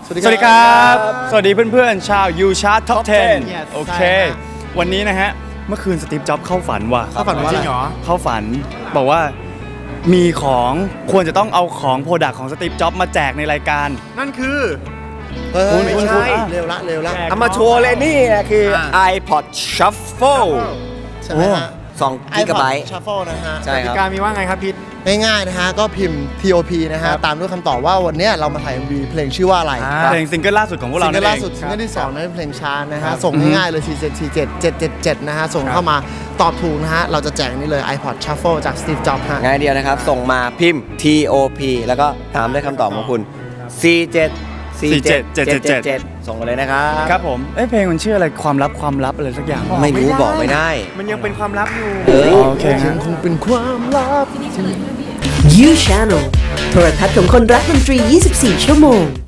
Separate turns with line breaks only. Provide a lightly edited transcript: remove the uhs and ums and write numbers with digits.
สวัสดีครับ สวัสดีเพื่อนๆชาว You Chart Top 10 โอเค วันนี้นะฮะ เมื่อคืนสตีฟ จ็อบส์เข้าฝันว่ะ
เข้าฝันว่าจริงเหรอ
เข้าฝันบอกว่ามีของควรจะต้องเอาของโปรดักต์ของสตีฟ จ็อบส์มาแจกในรายการ
นั่นคือ
ไม่ใช่
เร็วละ
แจก
เอามาโชว์เลยนี่คือ iPod Shuffle
ใช่ไหมฮะ
2 กิกะไบต์
Shuffle นะฮะ
ใช่
ก
ค
ติ
รับ
กามีว่าไงครับพิษ
ง่ายๆนะฮะก็พิมพ์ TOP นะฮะตามด้วยคำตอบว่าวันนี้เรามาถ่าย MV เพลงชื่อว่าอะไร
เพลงซิงเกิลล่าสุดของพวก
ซิ
เรา
งเกิ
นั่
ล
นเอ
ล่าง สุดซิงเกิลที่2นั้นเป็นเพลงช้านะฮะส่งง่ายๆเลย4777777นะฮะส่งเข้ามาตอบถูกนะฮะเราจะแจกนี่เลย iPod Shuffle จาก Steve Jobs ฮะ
ง่ายเดียวนะครับ ส่งมาพิมพ์ TOP แล้วก็ตามด้วยคำตอบของคุณ 474777 ส่งมาเลยนะครับ
ครับผมเพลงมันชื่ออะไรความลับอะไรสักอย่าง
ไม่รู้บอกไม่ได้
มันยังเป็นความลับอยู่
โอเคฮะ
คงเป็นความลับ
You Channel โทรทัศน์ของคนรักดนตรี 24 ชั่วโมง